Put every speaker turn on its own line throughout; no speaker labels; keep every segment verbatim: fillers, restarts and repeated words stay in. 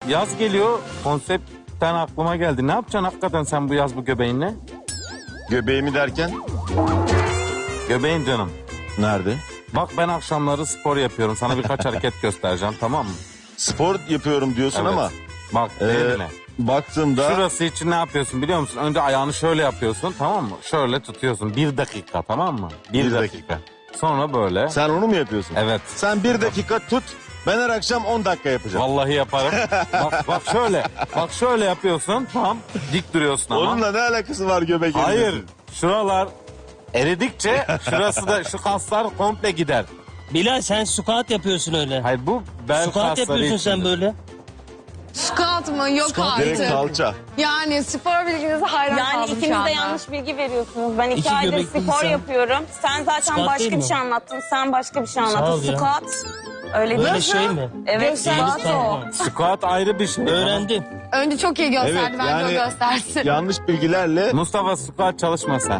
yaz geliyor. Konseptten aklıma geldi. Ne yapacaksın hakikaten sen bu yaz bu göbeğinle?
Göbeğimi derken
Göbeğin canım.
nerede?
Bak ben akşamları spor yapıyorum. Sana birkaç hareket göstereceğim, tamam mı?
Spor yapıyorum diyorsun
Evet.
ama
Bak
e,
eline.
baktığımda
Şurası için ne yapıyorsun biliyor musun? Önce ayağını şöyle yapıyorsun, tamam mı? Şöyle tutuyorsun. Bir dakika, tamam mı? Bir,
Bir
dakika. Sonra böyle.
sen onu mu yapıyorsun?
Evet.
Sen bir dakika tut. Ben her akşam on dakika yapacağım.
Vallahi yaparım. bak, bak şöyle. Bak şöyle yapıyorsun. Tam dik duruyorsun ama.
Onunla ne alakası var göbek
Hayır.
erimesi?
Şuralar eridikçe şurası da şu kaslar komple gider.
Bilal sen squat yapıyorsun öyle.
Hayır bu bel
Squat
kasları
yapıyorsun sen
içindir.
böyle.
Squat mı? Yok
Direkt
artık.
kalça.
Yani spor bilginize hayran
Yani
kaldım şu
ikiniz de
anda.
yanlış bilgi veriyorsunuz. Ben iki,
İki
aydır
göbekli
spor
insan.
yapıyorum. Sen zaten
Squat değil
başka bir
mi?
şey anlattın. Sen başka bir şey
Sağ ol
anlattın.
ya.
Squat. Öyle
Böyle
değil.
şey mi?
Evet, squat o.
Tamam.
Squat ayrı bir şey.
Öğrendim.
Önce çok iyi gösterdi.
Evet,
Bence
yani-
o göstersin.
Yanlış bilgilerle
Mustafa squat çalışma sen.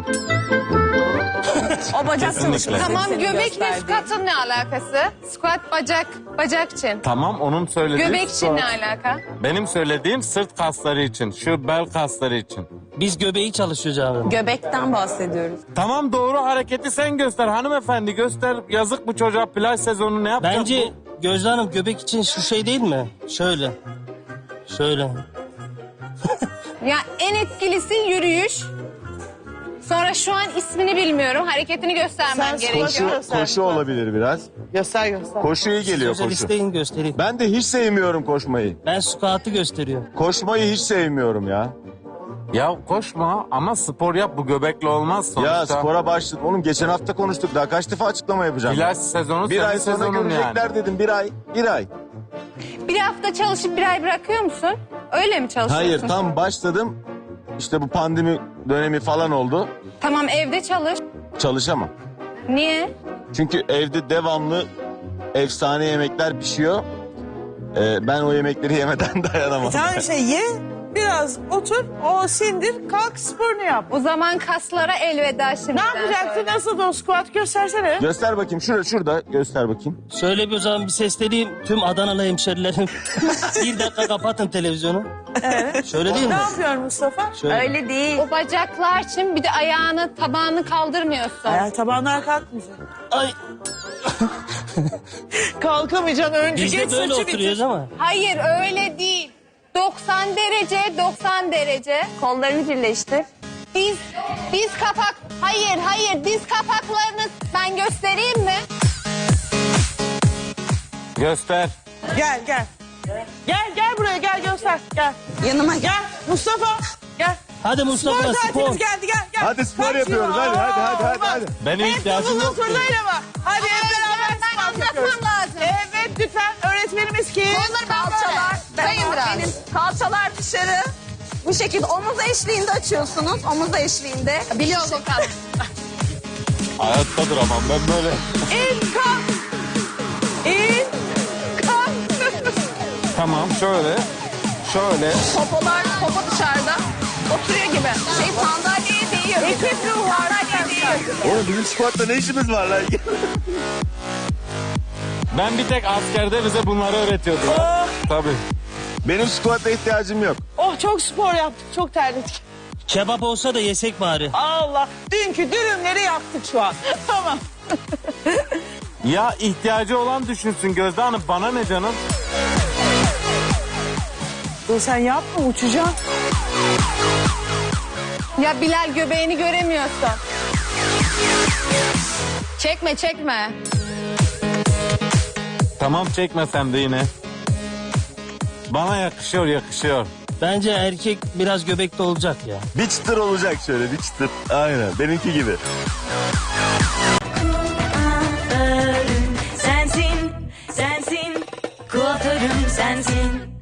O bacak
Kesinlikle.
çalışması.
Tamam
senin
göbekle
gösterdiğin.
squat'ın ne alakası? Squat bacak, bacak için.
Tamam onun söylediği
Göbek için ne
squat.
alaka?
Benim söylediğim sırt kasları için. Şu bel kasları için.
Biz göbeği çalışıyoruz abi.
Göbekten bahsediyoruz.
Tamam doğru hareketi sen göster hanımefendi göster. Yazık bu çocuğa plaj sezonu ne yapacak
Bence Gözde Hanım göbek için şu şey değil mi? Şöyle. Şöyle.
Ya en etkilisi yürüyüş. Sonra şu an ismini bilmiyorum. Hareketini göstermem gerekiyor.
koşu, koşu olabilir biraz.
Göster göster.
Koşu iyi geliyor
Özel
koşu.
isteyin göstereyim.
Ben de hiç sevmiyorum koşmayı.
Ben squat'ı gösteriyorum.
Koşmayı hiç sevmiyorum ya.
bu? Ya koşma ama spor yap bu göbekle olmaz sonuçta.
Ya spora başladım. Oğlum geçen hafta konuştuk. Daha kaç defa açıklama yapacağım?
Plaj sezonu
bir
senin
ay sonra
sezonun
görecekler
yani.
dedim. Bir ay. Bir ay.
Bir hafta çalışıp bir ay bırakıyor musun? Öyle mi çalışıyorsun?
Hayır tam başladım. İşte bu pandemi dönemi falan oldu.
Tamam evde çalış.
Çalışamam.
Niye?
Çünkü evde devamlı efsane yemekler pişiyor. Ee, ben o yemekleri yemeden dayanamam.
Sen şey ye, biraz otur, o sindir, kalk sporunu yap.
O zaman kaslara elveda şimdi.
Ne yapacaksın? Nasıl da o squat göstersene.
Göster bakayım. Şurada şurada göster bakayım.
Şöyle bir o zaman bir sesleneyim tüm Adanalı hemşerilerim. Bir dakika kapatın televizyonu. Evet. Şöyle değil
Ne
mi?
yapıyorsun Mustafa?
Şöyle.
Öyle değil.
O bacaklar için bir de ayağını, tabağını kaldırmıyorsun.
Ayağa tabanlar kalkmayacak.
Ay
Kalkamayacaksın önce
biz
geç
de böyle
saçı
oturuyoruz
bitir.
ama.
Hayır öyle değil. doksan derece, doksan derece.
Kollarını birleştir.
Diz, diz kapak. Hayır, hayır diz kapaklarını ben göstereyim mi?
Göster.
Gel gel. Gel gel buraya gel göster gel.
Yanıma gel.
Gel Mustafa gel.
Hadi
Spor
Mustafa spor.
saatimiz geldi gel gel.
Hadi spor
Kaç
yapıyoruz.
yıl?
Hadi, hadi, hadi, hadi,
olmaz.
hadi.
Benim
Hep
ihtiyacım
uzun
yok.
turnayla bak. Hadi hep beraber
ben
spor
anlatmam
yapıyoruz.
lazım.
Evet lütfen öğretmenimiz kim?
Onları ben
Kalçalar.
böyle. Sayın biraz.
Benim kalçalar dışarı. Bu şekilde omuz eşliğinde açıyorsunuz. Omuz eşliğinde.
Biliyoruz o kadar.
Hayatta duramam ben böyle.
İn kalk. İn kalk.
Tamam şöyle. Şöyle.
Popolar, popo dışarıda. Oturuyor gibi. Şey sandalyeye değiyor.
Ekip ruhu
Sandalyeye değiyor.
Oğlum bizim squat'ta ne işimiz var lan?
Ben bir tek askerde bize bunları öğretiyordular.
Oh.
Tabii.
Benim squat'a ihtiyacım yok.
Oh çok spor yaptık çok terledik.
Kebap olsa da yesek bari.
Allah dünkü dürümleri yaptık şu an. Tamam.
Ya ihtiyacı olan düşünsün Gözde Hanım. Bana ne canım?
Dur sen yapma uçacaksın.
Ya Bilal göbeğini göremiyorsun. Çekme çekme.
Tamam çekmesem de yine. Bana yakışıyor yakışıyor.
Bence erkek biraz göbekli olacak ya.
Bir çıtır olacak şöyle bir çıtır. Aynen benimki gibi.
Sensin, sensin, kuaförüm sensin.